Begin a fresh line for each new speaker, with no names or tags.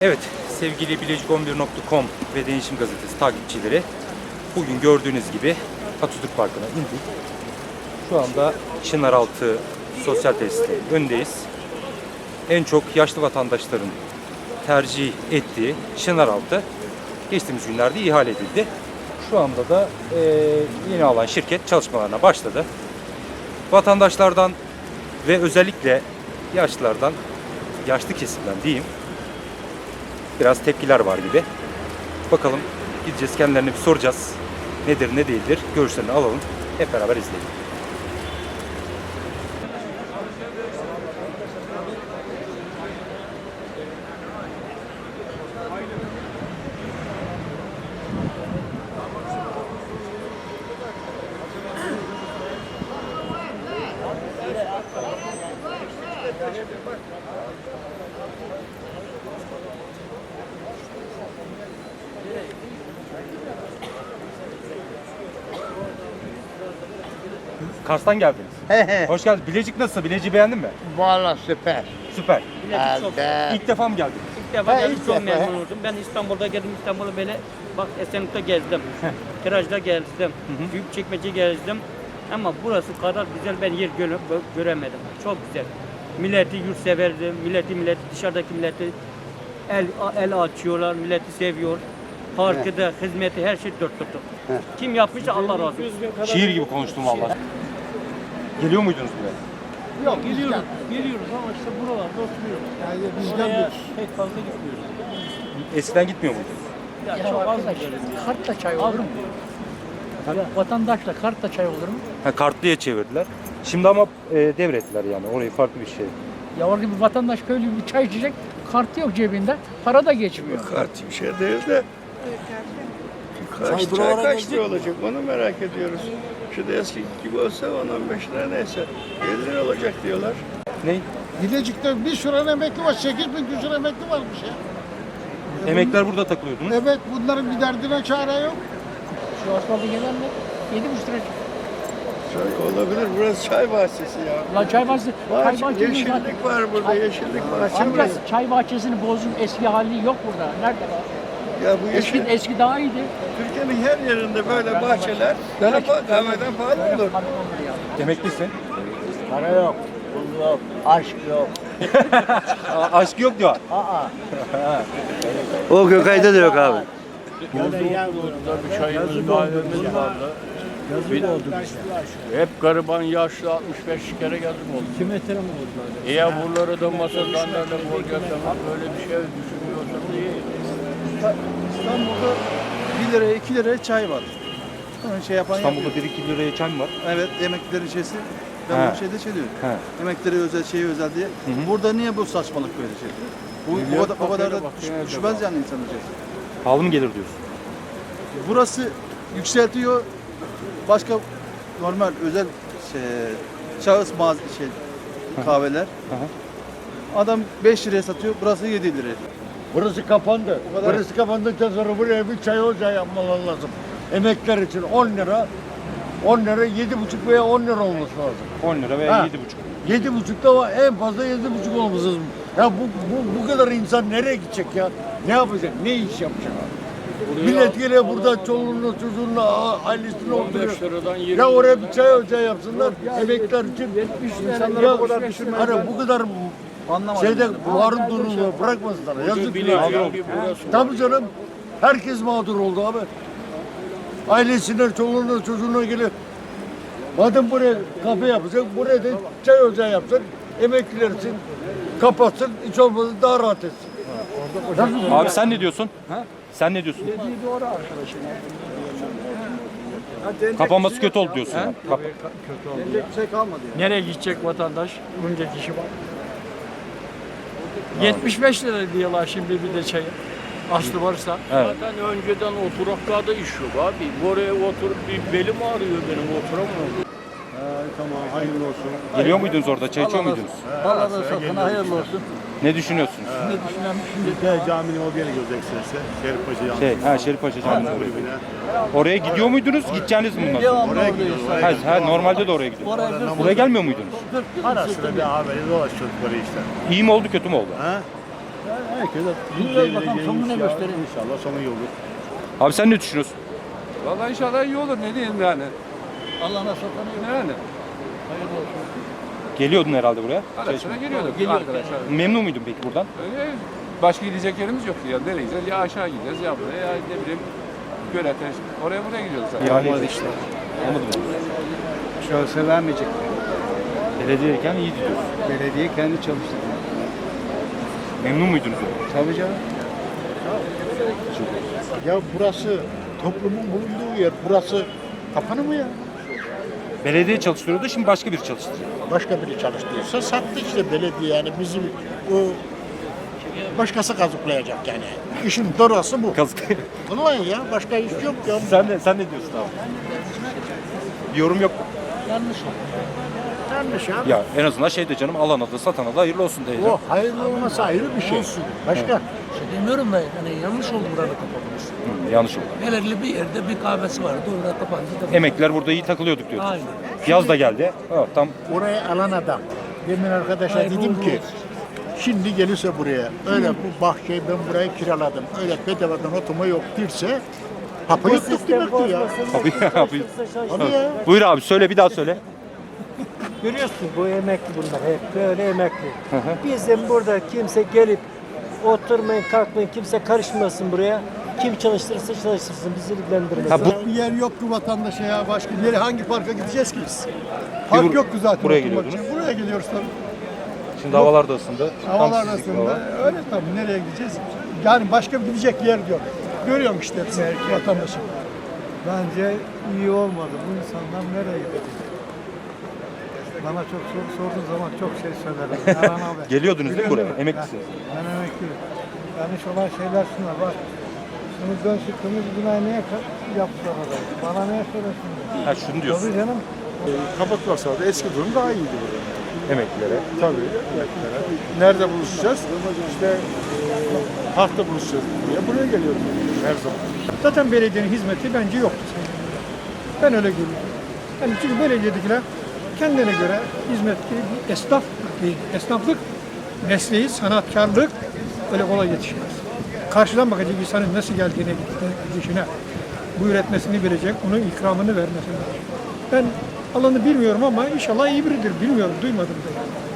Evet, sevgili Bilecik11.com ve Değişim Gazetesi takipçileri, bugün gördüğünüz gibi Atatürk Parkı'na indik. Şu anda Çınaraltı Sosyal Tesisinin önündeyiz. En çok yaşlı vatandaşların tercih ettiği Çınaraltı geçtiğimiz günlerde ihale edildi. Şu anda da yeni alan şirket çalışmalarına başladı. Vatandaşlardan ve özellikle yaşlılardan, yaşlı kesimden diyeyim, biraz tepkiler var gibi. Bakalım, gideceğiz, kendilerine bir soracağız. Nedir ne değildir görüşlerini alalım. Hep beraber izleyelim. Kars'tan geldiniz. Hoş geldiniz. Bilecik nasıl? Bilecik'i beğendin mi?
Vallahi süper.
Süper.
Evet.
İlk defa mı geldin?
İlk defa geldim,
ilk
çok
defa.
memnun oldum. Ben İstanbul'da geldim, İstanbul'u böyle bak Esenlik'te gezdim. Kiraj'da gezdim, Büyükçekmece gezdim. Ama burası kadar güzel ben yer göremedim. Çok güzel. Milleti yurtseverdi, milleti dışarıdaki milleti el açıyorlar, milleti seviyor. Parkı da, hizmeti, her şey dört dörtlük. Kim yapmışsa Allah razı olsun.
Şiir gibi konuştum vallahi. Geliyor muydunuz buraya?
Yok, geliyoruz ama işte buralarda oturuyoruz.
Yani
Buraya pek fazla gitmiyoruz.
Eskiden gitmiyor muydunuz?
Ya çok az gidiyoruz.
Kartla çay olur mu? Vatandaşla kartla çay olur mu?
Ha, kartlıya çevirdiler. Şimdi ama devrettiler yani. Orayı farklı bir şey.
Ya orada bir vatandaş köylü bir çay içecek, kartı yok cebinde, para da geçmiyor.
Kart bir şey değil de kaç lira olacak onu merak ediyoruz. Şu da eski gibi olsa 10-15 lira neyse 50 lira olacak diyorlar.
Ne?
Bilecik'te bir sürü emekli var. 8.000 küsur emekli varmış ya.
Emekler burada takılıyordunuz.
Evet, bunların bir derdine çare yok.
Şu asfaltı gelenler 7,5 lira.
Çay olabilir, burası çay bahçesi ya.
Lan çay bahçesi, çay bahçesi
Yeşillik var burada, yeşillik bahçe
Amca
burası.
çay bahçesini bozun, eski hali yok burada. Nerede var?
Ya bu yeşil,
Eski daha iyiydi.
Türkiye'nin her yerinde böyle bahçeler kahveden pahalı olur.
Emeklisin.
Para yok, pul yok, aşk yok.
Aşk yok diyor.
O Gökay'da da yok abi.
Bir çayımız kahvemiz vardı. Hep gariban yaşlı 65 kere geldim oldu. Kime mi oldu? Ya buraları da masadanlarla borcatlamak böyle bir şey düşünüyorsanız iyi.
İstanbul'da 1 liraya 2 liraya çay var. Onun şey yapan
İstanbul'da
yapıyor.
1-2 liraya çay mı var?
Evet, emeklilerin şeysi. Ben
He.
bu şeyde şey diyorum.
He.
Emeklileri özel, şeyi özel diye. Burada niye bu saçmalık böyle şey? Bu kadar da düşmez yani insanın şeysi.
Pahalı mı gelir diyorsun?
Burası yükseltiyor. Başka normal özel şahıs kahveler. Adam 5 liraya satıyor, burası 7 liraya.
Burası kapandı.
O kadar.
Burası kapandıktan sonra buraya bir çay ocağı yapmaları lazım. Emekler için 10 lira, 7,5 veya 10 lira olması lazım.
10 lira veya
Ha.
7,5.
7,5'da var, en fazla 7,5 olması lazım. Ya bu kadar insan nereye gidecek ya? Ne yapacak? Ne iş yapacak? Millet geliyor burada çoluğunla çocuğunla ailesini
15
oturuyor.
liradan 20
Ya oraya
liradan.
bir çay ocağı yapsınlar. Emekler için.
İnsanları
Ya
bu kadar düşürmezler.
hani bu kadar
Anlamadım.
şeyde buharın durumunu bırakmasınlar. Yazık
Bilecik
ya.
bir burası.
Tabii canım. Herkes mağdur oldu abi. Ailesine, çoluğuna, çocuğuna gelip madem buraya kafe yapacak, buraya da çay ocağı yapsın. Emekliler için kapatsın, hiç olmazsa daha rahat etsin.
Abi sen ne diyorsun? Sen ne diyorsun? Kapanması kötü oldu diyorsun. yani.
Denecek bir şey kalmadı yani.
Nereye gidecek vatandaş? Bunca kişi var. 75 lira diyorlar şimdi bir de çayı. Aslı varsa.
Evet.
Zaten önceden oturaklarda iş yok abi. Oraya oturup bir belim ağrıyor benim oturamıyorum.
Tamam, hayırlı olsun.
Geliyor muydunuz orada? Çay içiyor muydunuz?
Allah satın hayırlı olsun.
Ne düşünüyorsunuz?
Caminin o yere gidiyoruz ekstresi. Şerifpaşa Camii.
Şerifpaşa Camii'ne oraya. Oraya gidiyor muydunuz? Gideceğiniz mi bundan sonra?
Oraya gidiyoruz.
Normalde de oraya gidiyorsunuz. Buraya gelmiyor muydunuz?
Ara sıra bir haberi dolaşıyoruz böyle işte.
İyi mi oldu kötü mü oldu?
Ha?
Herkese
Bilmiyoruz bakalım sonunu ne gösterir.
İnşallah sonu iyi olur.
Abi sen ne düşünüyorsun?
Vallahi inşallah iyi olur, ne diyeyim yani.
Allah nasıl tanıyor.
Yani.
Geliyordun herhalde buraya.
Ara sıra geliyorduk arkadaşlar.
Memnun muydun peki buradan?
Öyle başka gidecek yerimiz yoktu ya. Nereye gideceğiz? Ya aşağı gideceğiz ya buraya ya ne bileyim. Gölete oraya buraya gidiyoruz zaten.
Olmadı işte. Olmadı mı?
Şahsa vermeyecek.
Belediyeyken iyi diyorsun.
Belediye kendi çalıştırdı.
Memnun muydunuz?
Tabii canım. Ya burası toplumun bulunduğu yer. Burası kapanı mı ya?
Belediye çalıştırıyordu, şimdi başka biri çalıştırıyor.
Başka biri çalıştırıyorsa sattı işte belediye yani bizim o başkası kazıklayacak yani. İşin doğrusu bu.
Kazık.
Vallahi ya başka iş yok ya.
sen ne diyorsun abi? Bir yorum yok mu?
Yanlış abi.
Ya en azından şey de canım, alana da satana da hayırlı olsun diyeceğim.
O hayırlı olması ayrı bir şey. Başka?
Demiyorum da yani yanlış oldu burada kapanması.
Yanlış oldu.
Belirli bir yerde bir kahvesi vardı orada kapandı. Da
Emekliler burada iyi takılıyorduk diyoruz.
Aynen.
Yaz da geldi. Evet, tam
Orayı alan adam. Demin arkadaşa
Hayırlı
dedim
uğurlu
ki
olsun.
şimdi gelirse buraya öyle bu bahçeyi ben burayı kiraladım. Öyle bedavadan oturma yok derse hapı yuttuk demektir ya.
abi, abi.
Abi ya.
Buyur abi, söyle, bir daha söyle.
Görüyorsun bu emekli bunlar hep böyle emekli. Bizim burada kimse gelip oturmayın kalkmayın kimse karışmasın buraya. Kim çalıştırırsa çalıştırsın bizi ilgilendirmez.
Ha, bu-
Bir yer yok ki vatandaşa ya. Başka nereye hangi parka gideceğiz ki biz?
Bir
Park yok ki zaten.
buraya
oturmak
geliyordunuz.
için. Buraya geliyoruz tabii.
Şimdi havalar da ısındı. Tam
Havalar
sizlik bir
arasında
hava.
öyle tabii. Nereye gideceğiz? Yani başka bir gidecek yer yok. Görüyorum işte hepsini vatandaşın.
Bence iyi olmadı. Bu insanlar nereye gidecek? Bana çok soru sorduğun zaman çok şey söylerim. Yalan haber.
Geliyordunuz değil mi buraya?
Biliyorum.
Emeklisiniz.
Ben emekliyim. Yanlış olan şeyler şunlar bak. Bunu dönsün kırmızı binayı niye yaptılar orayı? Bana niye söylesinler?
Ha, şunu diyorsun.
Tabii canım.
Kapatmasalardı eski durum daha iyiydi burada.
Emeklilere.
Tabii. Nerede buluşacağız? İşte parkta buluşacağız. Buraya geliyoruz her zaman.
Zaten belediyenin hizmeti bence yoktu. Ben öyle görüyorum. Yani çünkü belediyedekiler kendine göre hizmet esnaf değil. Esnaflık mesleği, sanatkarlık öyle kolay yetişmez. Karşıdan bakacak insanın nasıl geldiğine, gidişine, bu üretmesini bilecek, onun ikramını vermesini. Ben alanı bilmiyorum ama inşallah iyi biridir. Bilmiyorum, duymadım da.